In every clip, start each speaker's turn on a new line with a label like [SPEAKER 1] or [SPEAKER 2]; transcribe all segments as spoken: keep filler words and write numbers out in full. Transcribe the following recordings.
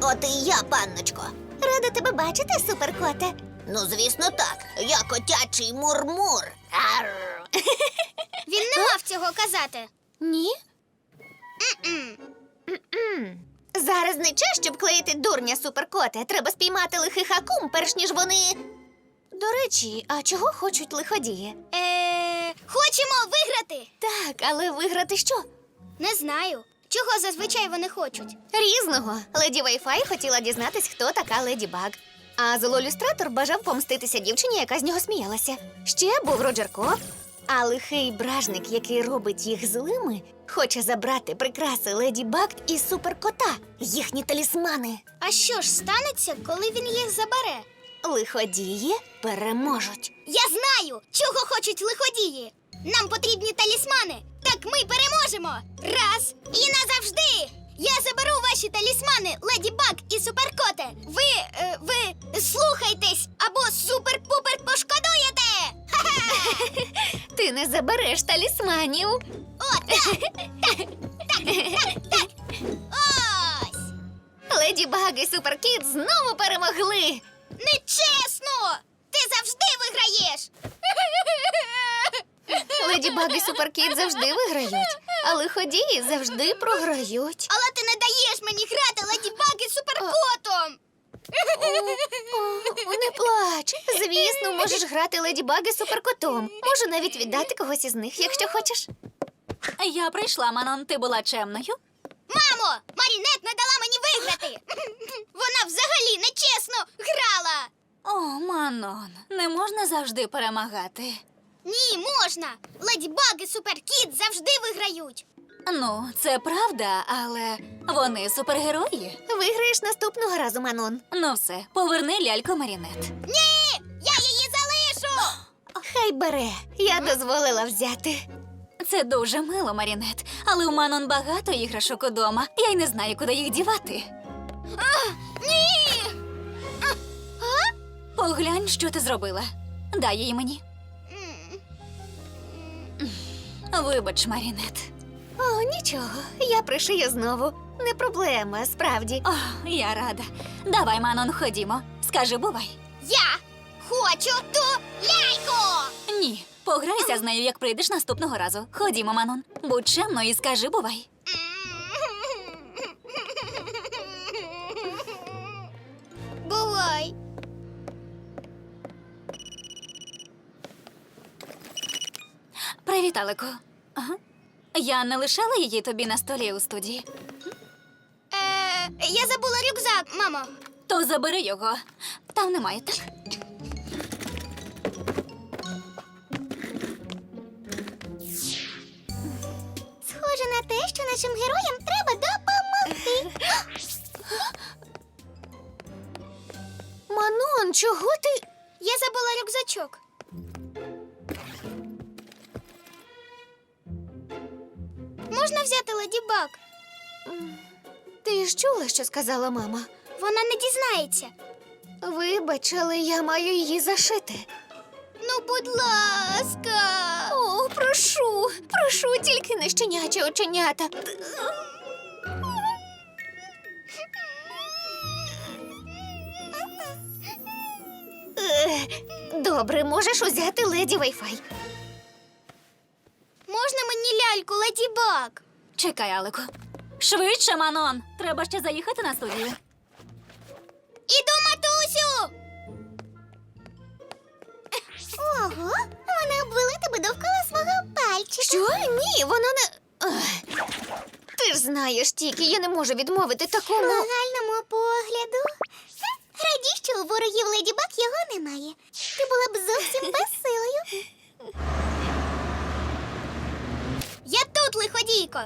[SPEAKER 1] От і я, панночко.
[SPEAKER 2] Рада тебе бачити, суперкоте.
[SPEAKER 1] Ну, звісно, так. Я котячий мурмур. Арр.
[SPEAKER 3] Він не мав цього казати.
[SPEAKER 2] Ні? Зараз не час, щоб клеїти дурня, суперкоте. Треба спіймати лихих акум, перш ніж вони... До речі, а чого хочуть лиходії?
[SPEAKER 3] Е, хочемо виграти.
[SPEAKER 2] Так, але виграти що?
[SPEAKER 3] Не знаю. Чого зазвичай вони хочуть?
[SPEAKER 2] Різного. Леді Вайфай хотіла дізнатись, хто така Леді Баг. А зололюстратор бажав помститися дівчині, яка з нього сміялася. Ще був Роджер Ко. А лихий бражник, який робить їх злими, хоче забрати прикраси Леді Баг і суперкота, їхні талісмани.
[SPEAKER 3] А що ж станеться, коли він їх забере?
[SPEAKER 2] Лиходії переможуть.
[SPEAKER 3] Я знаю, чого хочуть лиходії. Нам потрібні талісмани. Так ми переможемо. Раз і назавжди. Я заберу ваші талісмани, Леді Баг і Суперкоте. Ви, е, ви слухайтесь або супер-пупер пошкодуєте. Ха-ха!
[SPEAKER 2] Ти не забереш талісманів.
[SPEAKER 3] О, так, так, так, так, так. Ось.
[SPEAKER 2] Леді Баг і Суперкіт знову перемогли.
[SPEAKER 3] Нечесно! Ти завжди виграєш!
[SPEAKER 2] Леді Баг і Суперкіт завжди виграють, а лиходії завжди програють.
[SPEAKER 3] Але ти не даєш мені грати Леді Баг і Суперкотом!
[SPEAKER 2] О, не плач. Звісно, можеш грати Леді Баг і Суперкотом. Можу навіть віддати когось із них, якщо хочеш.
[SPEAKER 4] Я прийшла, Манон, ти була чемною?
[SPEAKER 3] Мамо, Марінет не дала мені виграти! Вона взагалі нечесно грала!
[SPEAKER 4] О, Манон, не можна завжди перемагати.
[SPEAKER 3] Ні, можна! Леді Баг і Суперкіт завжди виграють!
[SPEAKER 4] Ну, це правда, але вони супергерої.
[SPEAKER 2] Виграєш наступного разу, Манон.
[SPEAKER 4] Ну все, поверни ляльку Марінет.
[SPEAKER 3] Ні! Я її залишу!
[SPEAKER 2] Хай бере. Я дозволила взяти.
[SPEAKER 4] Це дуже мило, Марінет, але у Манон багато іграшок удома. Я й не знаю, куди їх дівати.
[SPEAKER 3] Ні!
[SPEAKER 4] Поглянь, що ти зробила. Дай її мені.
[SPEAKER 3] М.
[SPEAKER 4] Вибач, Марінет.
[SPEAKER 2] О, нічого. Я пришию знову. Не проблема, справді.
[SPEAKER 4] О, я рада. Давай, Манон, ходімо. Скажи, бувай.
[SPEAKER 3] Я хочу ту ляльку!
[SPEAKER 4] Ні, пограйся з нею, як прийдеш наступного разу. Ходімо, Манон. Будь чемною і скажи, бувай.
[SPEAKER 3] Бувай!
[SPEAKER 4] Привіт, Алеко. Ага. Я не лишала її тобі на столі у студії.
[SPEAKER 3] Е, я забула рюкзак, мамо.
[SPEAKER 4] То забери його. Там немає, так?
[SPEAKER 3] Схоже на те, що нашим героям треба допомогти.
[SPEAKER 2] Манон, чого ти?
[SPEAKER 3] Я забула рюкзачок. Можна взяти Леді Баг?
[SPEAKER 2] Ти ж чула, що сказала мама?
[SPEAKER 3] Вона не дізнається.
[SPEAKER 2] Вибач, але я маю її зашити.
[SPEAKER 3] Ну, будь ласка.
[SPEAKER 2] О, прошу, прошу, тільки не щенячі оченята. Е, Добре, можеш узяти Леді Вайфай.
[SPEAKER 3] Можна мені ляльку Леді Баг?
[SPEAKER 4] Чекай, Алеко. Швидше, Манон. Треба ще заїхати на студію.
[SPEAKER 3] Іду, матусю! Ого, вона обвела тебе довкола свого пальчика.
[SPEAKER 2] Що? Ні, вона не. Ех. Ти ж знаєш, тільки я не можу відмовити такому.
[SPEAKER 3] Нагальному погляду. Раді, що у ворогів Леді Баг його немає. Ти була б зовсім безсилою. Я тут, лиходійко.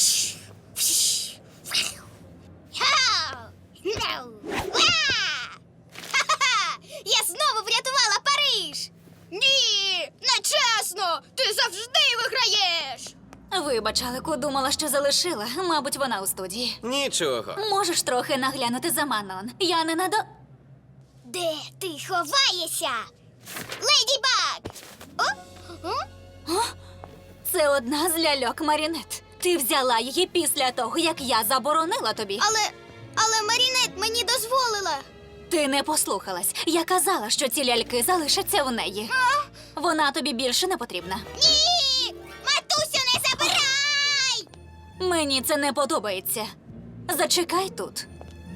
[SPEAKER 3] Я знову врятувала Париж! Ні, нечесно! Ти завжди виграєш!
[SPEAKER 4] Вибач, Алеко, думала, що залишила. Мабуть, вона у студії.
[SPEAKER 5] Нічого.
[SPEAKER 4] Можеш трохи наглянути за Манон. Я не надо...
[SPEAKER 3] Де ти ховаєшся? Леді Баг! О? О?
[SPEAKER 4] Це одна з ляльок Марінет. Ти взяла її після того, як я заборонила тобі.
[SPEAKER 3] Але Але Марінет мені дозволила.
[SPEAKER 4] Ти не послухалась. Я казала, що ці ляльки залишаться у неї. Вона тобі більше не потрібна.
[SPEAKER 3] Ні! Матусю, не забирай!
[SPEAKER 4] Мені це не подобається. Зачекай тут.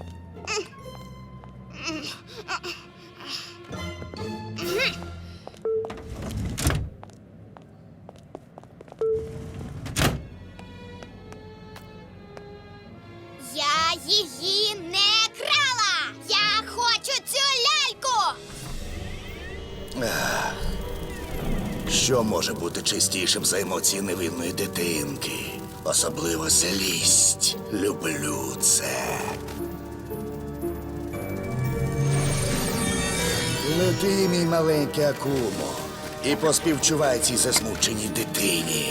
[SPEAKER 3] Я її не крала! Я хочу цю ляльку!
[SPEAKER 5] Що може бути чистішим за емоції невинної дитинки? Особливо злість. Люблю це. Лети, мій маленький Акумо, і поспівчувай цій засмученій дитині.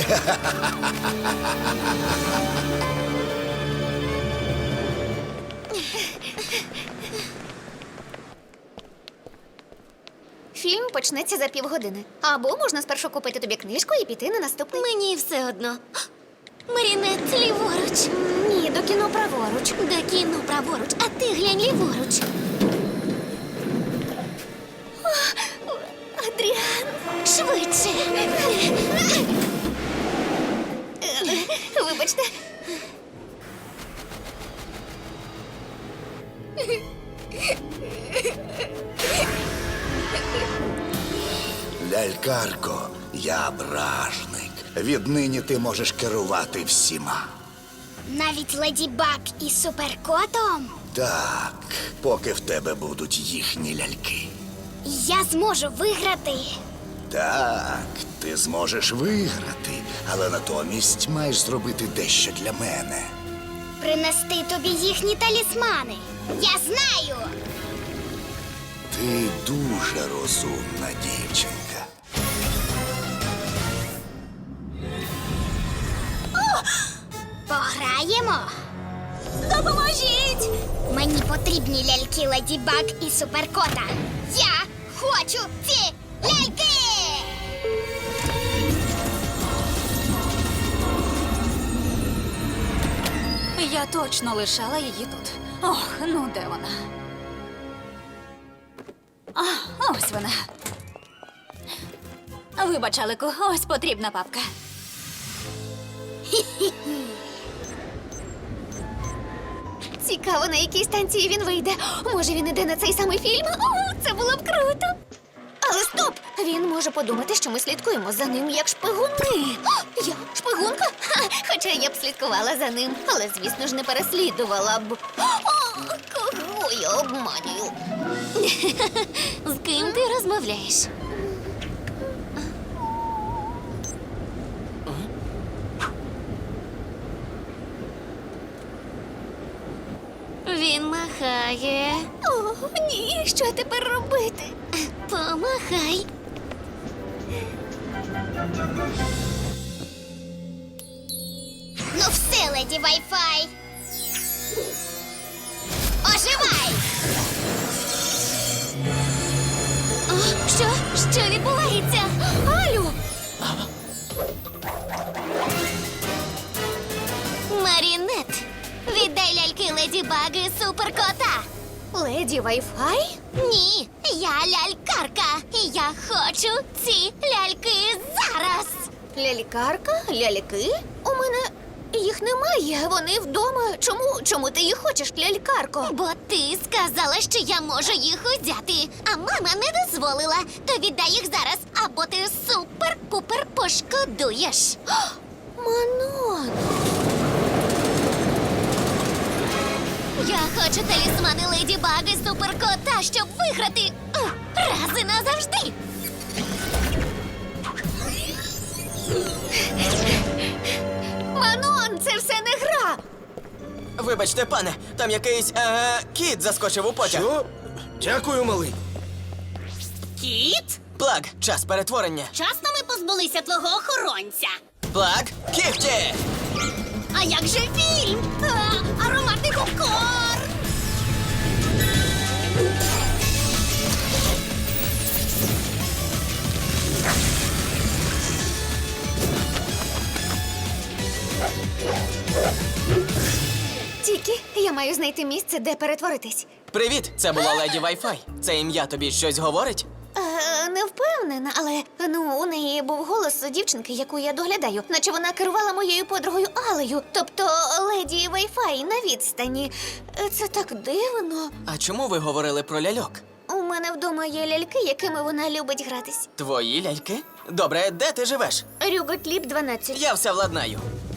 [SPEAKER 2] Фільм почнеться за півгодини. Або можна спершу купити тобі книжку і піти на наступний.
[SPEAKER 3] Мені все одно. Марінет, ліворуч.
[SPEAKER 2] Ні, до кіно праворуч.
[SPEAKER 3] До кіно праворуч, а ти глянь ліворуч.
[SPEAKER 2] Адріан.
[SPEAKER 3] Швидше.
[SPEAKER 2] Вибачте.
[SPEAKER 5] Лялькарко, я бражник. Віднині ти можеш керувати всіма.
[SPEAKER 3] Навіть Леді Баг і Суперкотом?
[SPEAKER 5] Так, поки в тебе будуть їхні ляльки.
[SPEAKER 3] Я зможу виграти.
[SPEAKER 5] Так, ти зможеш виграти, але натомість маєш зробити дещо для мене.
[SPEAKER 3] Принести тобі їхні талісмани. Я знаю.
[SPEAKER 5] Ти дуже розумна дівчинка.
[SPEAKER 3] Пограємо. Допоможіть! Мені потрібні ляльки Леді Баг і Суперкота. Я хочу ці ляльки!
[SPEAKER 4] Я точно лишала її тут. Ох, ну де вона? А, ось вона. Вибач, Алику, ось потрібна папка.
[SPEAKER 2] Цікаво, на якій станції він вийде. Може, він іде на цей самий фільм? О, це було б круто. Але стоп! Він може подумати, що ми слідкуємо за ним як шпигуни. О, я шпигунка? Ха, хоча я б слідкувала за ним, але, звісно ж, не переслідувала б. О, кого я обманюю?
[SPEAKER 3] З ким ти розмовляєш? Він махає.
[SPEAKER 2] О, ні, що тепер робити?
[SPEAKER 3] Помахай. Ну все, леді Вай-Фай. Оживай! О, що? Що відбувається?
[SPEAKER 2] Алю!
[SPEAKER 3] Марінет, віддай ляльки Леді Баг і Суперкота.
[SPEAKER 2] Леді Вай-Фай?
[SPEAKER 3] Ні, я лялькарка, і я хочу ці ляльки зараз.
[SPEAKER 2] Лялькарка? Ляльки? У мене їх немає. Вони вдома. Чому? Чому ти їх хочеш, лялькарко?
[SPEAKER 3] Бо ти сказала, що я можу їх узяти, а мама не дозволила. То віддай їх зараз, або ти супер-пупер пошкодуєш.
[SPEAKER 2] Манон!
[SPEAKER 3] Я хочу талісмани Леді Баг і Суперкота, щоб виграти о, раз і назавжди.
[SPEAKER 2] Манон, це все не гра!
[SPEAKER 6] Вибачте, пане, там якийсь е, кіт заскочив у потяг.
[SPEAKER 5] Що? Дякую, малий.
[SPEAKER 7] Кіт?
[SPEAKER 6] Плаг, час перетворення.
[SPEAKER 7] Вчасно ми позбулися твого охоронця.
[SPEAKER 6] Плаг, кіхті!
[SPEAKER 7] А як же фільм? А, ароматний попкорн!
[SPEAKER 2] Ті Мікі, я маю знайти місце, де перетворитись.
[SPEAKER 6] Привіт, це була леді Wi-Fi. Це ім'я тобі щось говорить?
[SPEAKER 2] Е, не впевнена, але ну у неї був голос дівчинки, яку я доглядаю, наче вона керувала моєю подругою Алею, тобто леді Wi-Fi на відстані. Е, Це так дивно.
[SPEAKER 6] А чому ви говорили про ляльок?
[SPEAKER 2] У мене вдома є ляльки, якими вона любить гратись.
[SPEAKER 6] Твої ляльки? Добре, де ти живеш?
[SPEAKER 2] Рюготліп дванадцять.
[SPEAKER 6] Я все владнаю.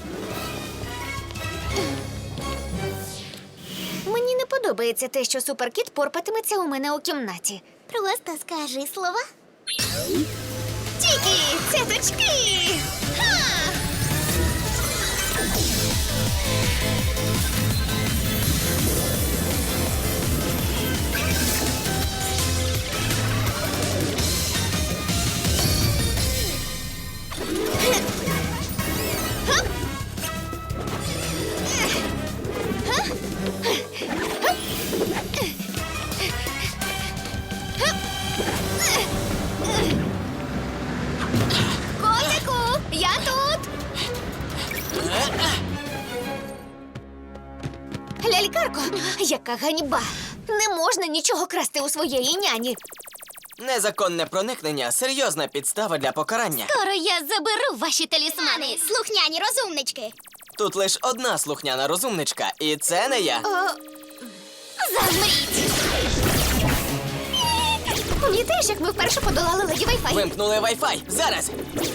[SPEAKER 2] Мені не подобається те, що суперкіт порпатиметься у мене у кімнаті.
[SPEAKER 3] Просто скажи слова.
[SPEAKER 2] Тільки цяточки! Ха! Котику, я тут! Лялькарко, яка ганьба! Не можна нічого красти у своєї няні.
[SPEAKER 6] Незаконне проникнення серйозна підстава для покарання.
[SPEAKER 3] Скоро я заберу ваші талісмани, слухняні розумнички.
[SPEAKER 6] Тут лише одна слухняна розумничка, і це не я.
[SPEAKER 3] Замріть!
[SPEAKER 2] Пам'ятаєш, як ми вперше подолали леді Wi-Fi?
[SPEAKER 6] Вимкнули Wi-Fi. Зараз!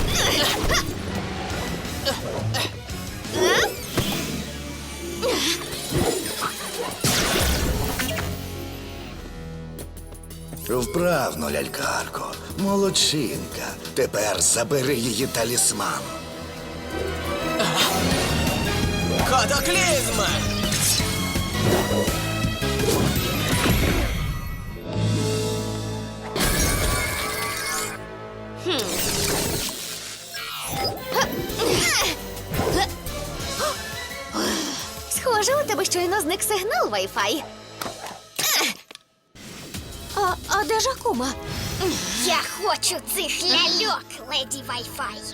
[SPEAKER 5] Вправно, лялькарко. Молодчинка. Тепер забери її талісман.
[SPEAKER 6] Катаклізм!
[SPEAKER 2] Схоже, у тебе щойно зник сигнал Wi-Fi. А, а де ж Акума?
[SPEAKER 3] Я хочу цих ляльок, леді Wi-Fi.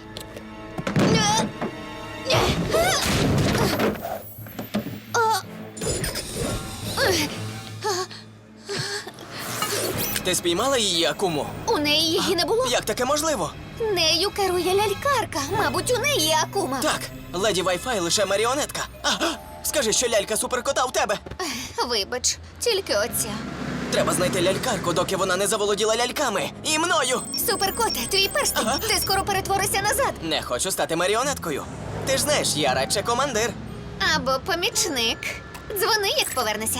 [SPEAKER 6] Ти спіймала її, Акуму?
[SPEAKER 2] У неї її не було.
[SPEAKER 6] Як таке можливо?
[SPEAKER 2] Нею керує лялькарка. Мабуть, у неї Акума.
[SPEAKER 6] Так, леді Wi-Fi лише маріонетка. А, а, скажи, що лялька суперкота в тебе.
[SPEAKER 2] Вибач, тільки оця.
[SPEAKER 6] Треба знайти лялькарку, доки вона не заволоділа ляльками. І мною.
[SPEAKER 2] Суперкоте, твій перстень.
[SPEAKER 6] Ага.
[SPEAKER 2] Ти скоро перетворишся назад.
[SPEAKER 6] Не хочу стати маріонеткою. Ти ж знаєш, я радше командир.
[SPEAKER 2] Або помічник. Дзвони, як повернешся.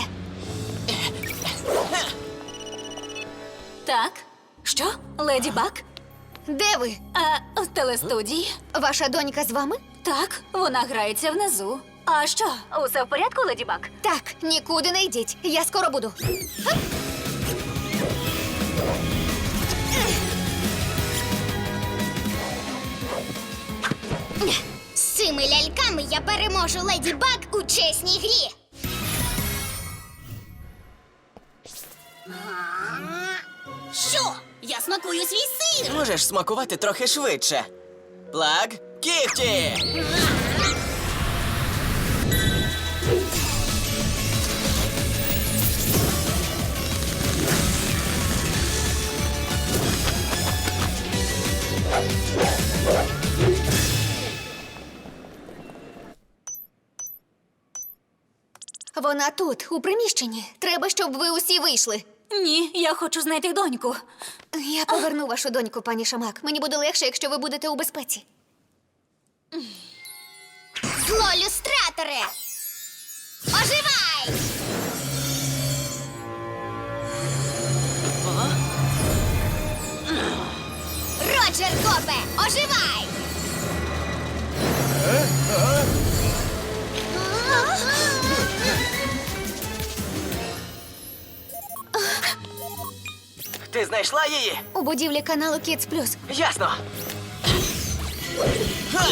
[SPEAKER 4] Так. Що? Леді Баг?
[SPEAKER 2] Де ви?
[SPEAKER 4] А в телестудії?
[SPEAKER 2] Ваша донька з вами?
[SPEAKER 4] Так, вона грається внизу. А що? Усе в порядку, Леді Баг?
[SPEAKER 2] Так, нікуди не йдіть. Я скоро буду.
[SPEAKER 3] З цими ляльками я переможу леді Баг у чесній грі.
[SPEAKER 7] Що? Я смакую свій сир.
[SPEAKER 6] Можеш смакувати трохи швидше. Плаг, кіхті!
[SPEAKER 2] Вона тут, у приміщенні. Треба, щоб ви усі вийшли.
[SPEAKER 4] Ні, я хочу знайти доньку.
[SPEAKER 2] Я поверну вашу доньку, пані Шамак. Мені буде легше, якщо ви будете у безпеці.
[SPEAKER 3] Зло люстраторе! Оживай! Роджер Копе, оживай!
[SPEAKER 6] Ти знайшла її?
[SPEAKER 2] У будівлі каналу Kids Plus.
[SPEAKER 6] Ясно. Ха!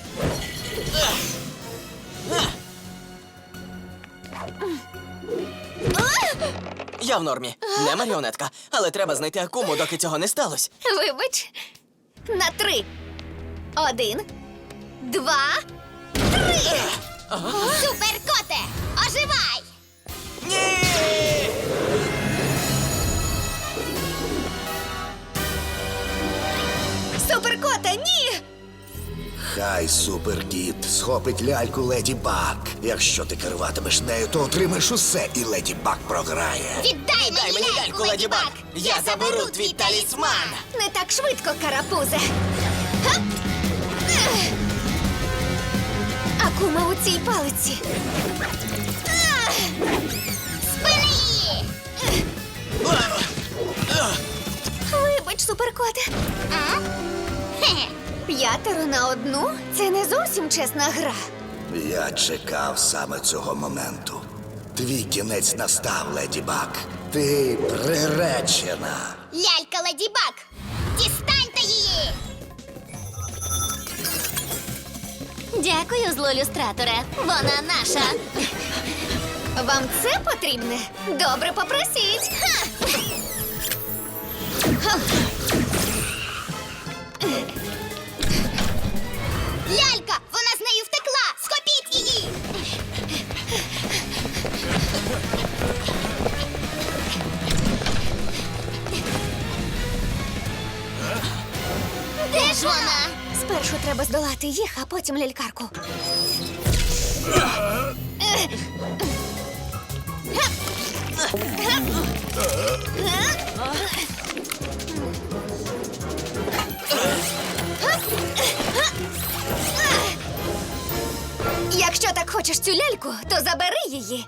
[SPEAKER 6] Я в нормі. Не маріонетка. Але треба знайти Акуму, доки цього не сталося.
[SPEAKER 2] Вибач. На три. Один, два, три.
[SPEAKER 3] Суперкоте, оживай!
[SPEAKER 5] суперкіт схопить ляльку Леді Баг. Якщо ти керуватимеш нею, то отримаєш усе, і Леді Баг програє.
[SPEAKER 3] Віддай
[SPEAKER 6] Дай мені ляльку, Леді Баг! Я заберу твій талісман!
[SPEAKER 2] Не так швидко, карапузе. Га! Ех! Акума у цій палиці. Ах!
[SPEAKER 3] Спини її!
[SPEAKER 2] Вибач, суперкоте.
[SPEAKER 3] А? Хе-хе.
[SPEAKER 2] П'ятеро на одну – це не зовсім чесна гра.
[SPEAKER 5] Я чекав саме цього моменту. Твій кінець настав, Леді Баг. Ти приречена.
[SPEAKER 3] Лялька Леді Баг! Дістаньте її!
[SPEAKER 4] Дякую, злоілюстраторе. Вона наша.
[SPEAKER 2] Вам це потрібне? Добре, попросіть. Ха!
[SPEAKER 3] Лялька! Вона з нею втекла! Схопіть її! Де ж вона?
[SPEAKER 2] Спершу треба здолати їх, а потім лялькарку. Якщо так хочеш цю ляльку, то забери її.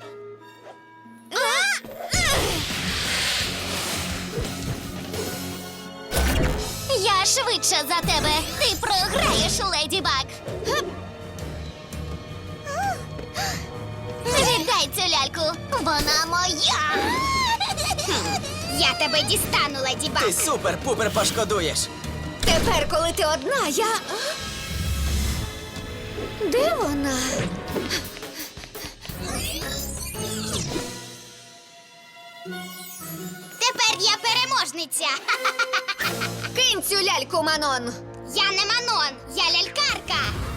[SPEAKER 3] Я швидше за тебе. Ти програєш, Леді Баг. Віддай цю ляльку. Вона моя. Я тебе дістану, Леді Баг.
[SPEAKER 6] Ти супер-пупер пошкодуєш!
[SPEAKER 2] Тепер, коли ти одна, я. Де вона?
[SPEAKER 3] Тепер я переможниця.
[SPEAKER 2] Кинь цю ляльку, Манон.
[SPEAKER 3] Я не Манон, я лялькарка.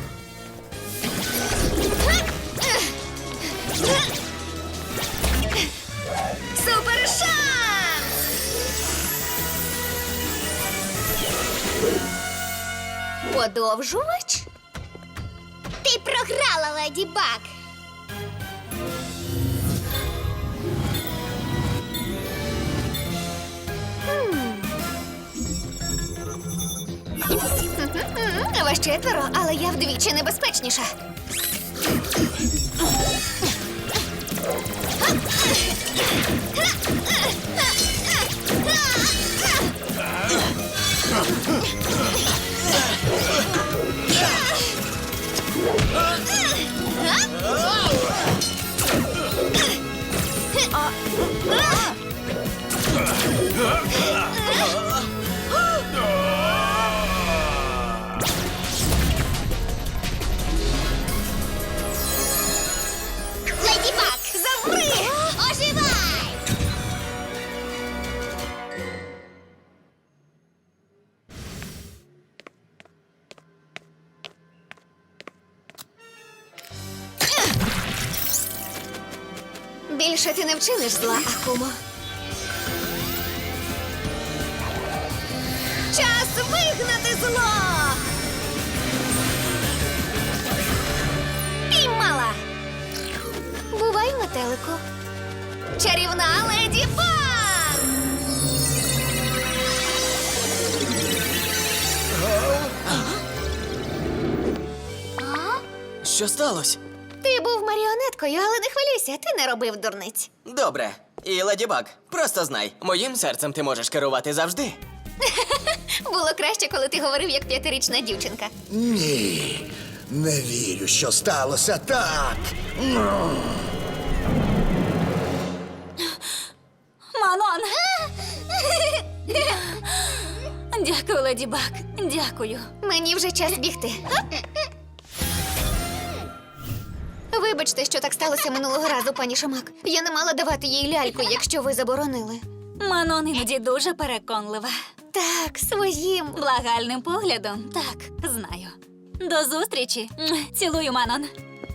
[SPEAKER 2] Супер шанс! Подовжувач?
[SPEAKER 3] Ти програла, Леді Баг.
[SPEAKER 2] М, Вас четверо, але я вдвічі небезпечніша.
[SPEAKER 3] Леді Баг,
[SPEAKER 2] Заври!
[SPEAKER 3] оживай!
[SPEAKER 2] Більше ти не вчиниш зла, Акумо. Час вигнати зло! Піймала! Бувай, метелику. Чарівна Леді Баг!
[SPEAKER 6] Що сталося?
[SPEAKER 2] Ти був маріонеткою, але не хвилюйся, ти не робив дурниць.
[SPEAKER 6] Добре. І Леді Баг, просто знай, моїм серцем ти можеш керувати завжди.
[SPEAKER 2] Було краще, коли ти говорив як п'ятирічна дівчинка.
[SPEAKER 5] Ні, не вірю, що сталося так.
[SPEAKER 4] Манон! Дякую, Леді Баг. Дякую.
[SPEAKER 2] Мені вже час бігти. Вибачте, що так сталося минулого разу, пані Шамак. Я не мала давати їй ляльку, якщо ви заборонили.
[SPEAKER 4] Манон іноді дуже переконлива.
[SPEAKER 2] Так, своїм.
[SPEAKER 4] Благальним поглядом. Так, знаю. До зустрічі. М, Цілую, Манон.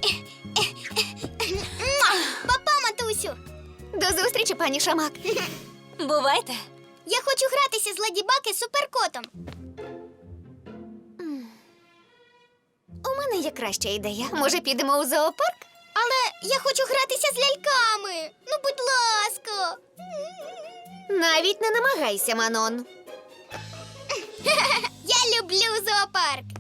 [SPEAKER 3] Папа, матусю.
[SPEAKER 2] До зустрічі, пані Шамак.
[SPEAKER 4] Бувайте.
[SPEAKER 3] Я хочу гратися з Леді Баг і Суперкотом.
[SPEAKER 2] У мене є краща ідея. Може, підемо у зоопарк?
[SPEAKER 3] Але я хочу гратися з ляльками. Ну, будь ласка.
[SPEAKER 2] Навіть не намагайся, Манон.
[SPEAKER 3] Я люблю зоопарк.